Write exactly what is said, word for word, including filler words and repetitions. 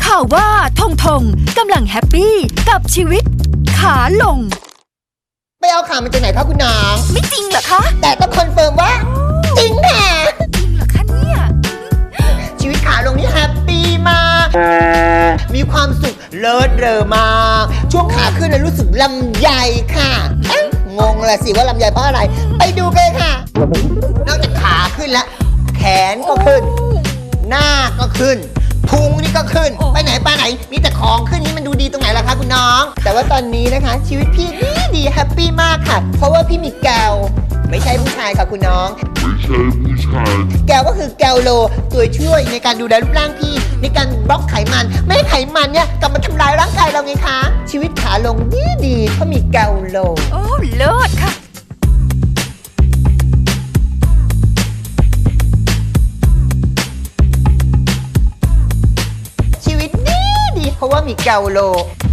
ข่าวว่าทงทงกำลังแฮปปี้กับชีวิตขาลงไปเอาข่าวมาจากไหนคะคุณน้องไม่จริงเหรอคะแต่ต้องคอนเฟิร์มว่าจริงค่ะจริงเหรอคะเนี่ยชีวิตขาลงนี่แฮปปี้มากมีความสุขเลิศเรอมากช่วงขาขึ้นรู้สึกลำใหญ่ค่ะงงละสิว่าลำใหญ่เพราะอะไรไปดูกันค่ะนอกจากขาขึ้นแล้วแขนก็ขึ้นหน้าก็ขึ้นพุงนี่ก็ขึ้นไปไหนไปไหนมีแต่ของขึ้นนี่มันดูดีตรงไหนล่ะคะคุณน้องแต่ว่าตอนนี้นะคะชีวิตพี่ดีดีแฮปปี้มากค่ะเพราะว่าพี่มีแกวไม่ใช่ผู้ชายค่ะคุณน้องไม่ใช่ผู้ชายแกวก็คือแกวโลตัวช่วยในการดูแลรูปร่างพี่ในการบล็อกไขมันไม่ให้ไขมันเนี่ยกลับมาทำลายร่างกายเราไงคะชีวิตขาลงดีดีเพราะมีแกวโลโอ้เลิศค่ะชีวิตดีดีเพราะว่ามีแกวโล